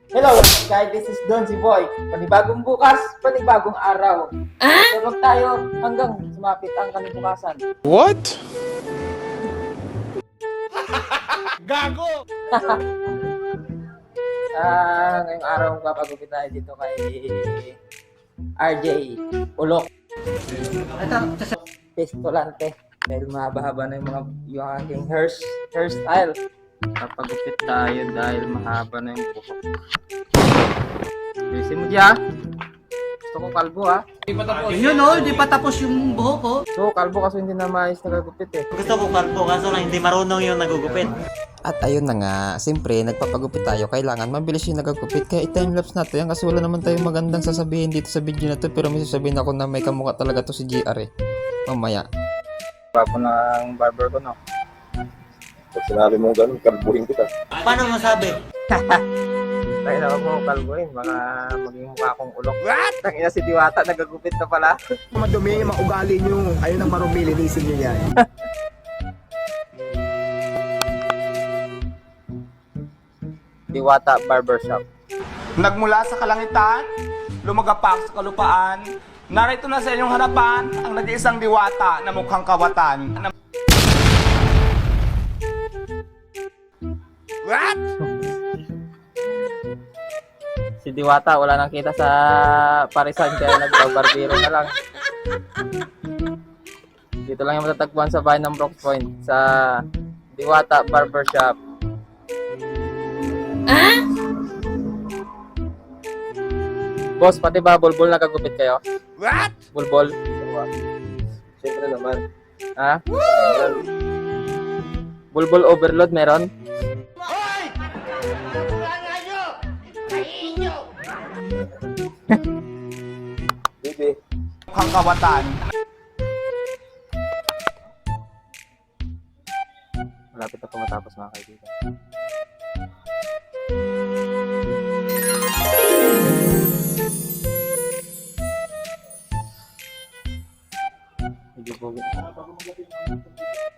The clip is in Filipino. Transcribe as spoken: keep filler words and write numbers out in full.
Hello guys, this is Don si Boy. Panibagong bukas, panibagong araw. Tulog tayo hanggang sumapit ang kanibukasan. What? Gago! Ah, ngayong araw papagupit tayo dito kay R J Ulok. Pistolante. Dahil mahaba-haba na yung mga yung aking hair, hairstyle. Papagupit tayo dahil mahaba na yung buhok. Busy mo diya. Gusto ko kalbo ha. Yun o, hindi pa tapos yung buhok ko. So kalbo kasi hindi na maayos nagagupit eh. Gusto ko kalbo kaso lang hindi marunong yung nagugupit. At ayun na nga, siyempre nagpapagupit tayo, kailangan mabilis yung nagagupit, kaya i-timelapse natin yan kasi wala naman tayong magandang sasabihin dito sa video na to, pero may sasabihin ako na may kamukha talaga to si G R eh. Mamaya. Papo ng barber ko no. Pag sinabi mo gano'n, kalbuhin kita. Paano masabi? Tayo na wag mo kalbuhin, baka maging mukha akong ulok. What? Tangina si Diwata, nagagupit na pala. Madumi yung mga ugali nyo. Ayun ang marumi, linisin nyo yan. Diwata Barbershop. Nagmula sa kalangitan, lumagapak sa kalupaan, narito na sa inyong harapan ang nag-iisang diwata na mukhang kawatan. What? Si Diwata wala nang kita sa parisan kaya nagbabarbero na lang. Dito lang yung matatagpuan sa bahay ng Brooks Point sa Diwata Barbershop. Boss, pati ba bulbul nagagupit kayo? What? Bulbul? Siyempre naman. Ha? Bulbul overload meron? Bibi, Mukhang kawatan. Malapit na po matapos mga kaibigan. Medyo pogi.